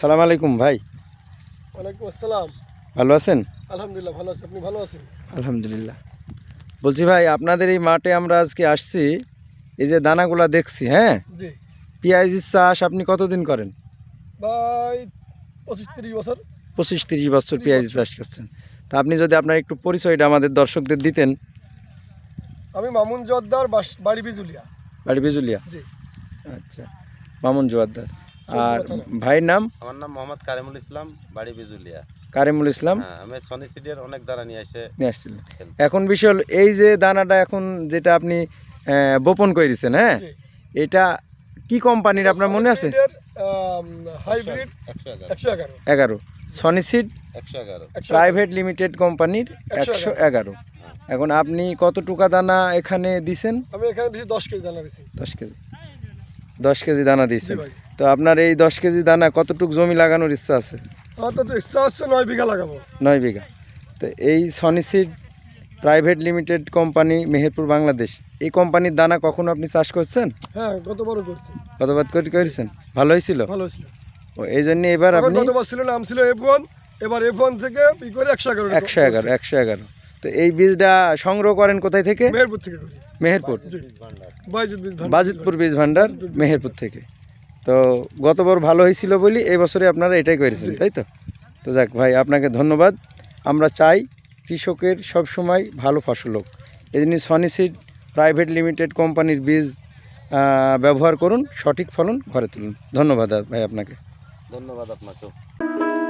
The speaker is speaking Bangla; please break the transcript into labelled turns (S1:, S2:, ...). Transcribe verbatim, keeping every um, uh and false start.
S1: আসসালামু আলাইকুম ভাই।
S2: ওয়ালাইকুম আসসালাম।
S1: ভালো আছেন?
S2: আলহামদুলিল্লাহ ভালো আছি। আপনি ভালো আছেন?
S1: আলহামদুলিল্লাহ। বলছি ভাই, আপনাদের এই মাঠে আমরা আজকে আসছি, এই যে দানাগুলা দেখছি, হ্যাঁ,
S2: জি
S1: পেঁয়াজের চাষ আপনি কতদিন করেন?
S2: ভাই, পঁচিশ তিরিশ বছর।
S1: পঁচিশ তিরিশ বছর
S2: তিরিশ
S1: পেঁয়াজের
S2: বছর।
S1: চাষ করছেন। তা আপনি যদি আপনার একটু পরিচয়টা আমাদের দর্শকদের দিতেন।
S2: আমি মামুন জোয়ারদার, বাস- বাড়ি বিজুলিয়া।
S1: বাড়ি বিজুলিয়া।
S2: জি।
S1: আচ্ছা, মামুন জোয়ারদার। আর
S2: চৌধুরী থানা।
S1: ভাইয়ের নাম?
S3: আমার নাম মোহাম্মদ কারিমুল ইসলাম, বাড়ি বিজুলিয়া।
S1: কারিমুল ইসলাম।
S3: হ্যাঁ, আমি সনি সিডের অনেক দানা নিয়ে এসে
S1: নিয়ে আসছিলেন।
S3: ফেলছি।
S1: এখন বিষয় হলো, এই যে দানাটা এখন যেটা আপনি আহ, বপন করেছেন, হ্যাঁ,
S2: জি।
S1: এটা কি কোম্পানির আপনার মনে আছে?
S2: হাইব্রিড
S3: একশো এগারো
S2: একশো এগারো।
S1: এগারো সনিসিড
S3: একশো এগারো
S1: প্রাইভেট লিমিটেড কোম্পানির
S2: একশো
S1: একশো এগারো।
S3: হ্যাঁ।
S1: এখন আপনি কত টুকা দানা এখানে দিছেন?
S2: আমি এখানে দিয়েছি দশ কেজি দানা দিছি।
S1: দশ কেজি দশ কেজি দানা
S2: জি
S1: দিয়েছেন।
S2: ভাই।
S1: তো আপনার এই দশ কেজি দানা কতটুক জমি লাগানোর ইচ্ছা আছে?
S2: আমার তো ইচ্ছা হচ্ছে নয় বিঘা লাগাবো।
S1: নয় বিঘা। তো এই সনিসিড private limited company, Meherpur, Bangladesh, এই কোম্পানির দানা কখনো আপনি চাষ করছেন?
S2: হ্যাঁ, গতবারও করছি।
S1: কতবার করে করেছেন? ভালো হয়েছিল?
S2: ভালো ছিল।
S1: ও, এই জন্য এবার
S2: তখন
S1: আপনি
S2: গতবার ছিল নাম ছিল এফ ওয়ান, এবার এফ ওয়ান থেকে ই করে একশো এগারো।
S1: একশো এগারো একশো এগারো তো এই বীজটা সংগ্রহ করেন কোথায় থেকে?
S2: মেহেরপুর থেকে করি।
S1: মেহেরপুর,
S2: জি। বাইজিৎ বীজ ভান্ডার।
S1: বাজিতপুর বীজ ভান্ডার,
S2: বাজিতপুর বীজ
S1: মেহেরপুর থেকে। তো গতবার ভালো হয়েছিল বলি এই বছরে আপনারা এটাই করেছেন,
S2: জি।
S1: তাই তো? তো যাক ভাই, আপনাকে ধন্যবাদ। আমরা চাই কৃষকের সব সময় ভালো ফসল হোক, এই জন্য সনিসিড প্রাইভেট লিমিটেড কোম্পানির বীজ আহ, ব্যবহার করুন, সঠিক ফলন ঘরে তুলুন। ধন্যবাদ ভাই আপনাকে।
S3: ধন্যবাদ আপনাকেও।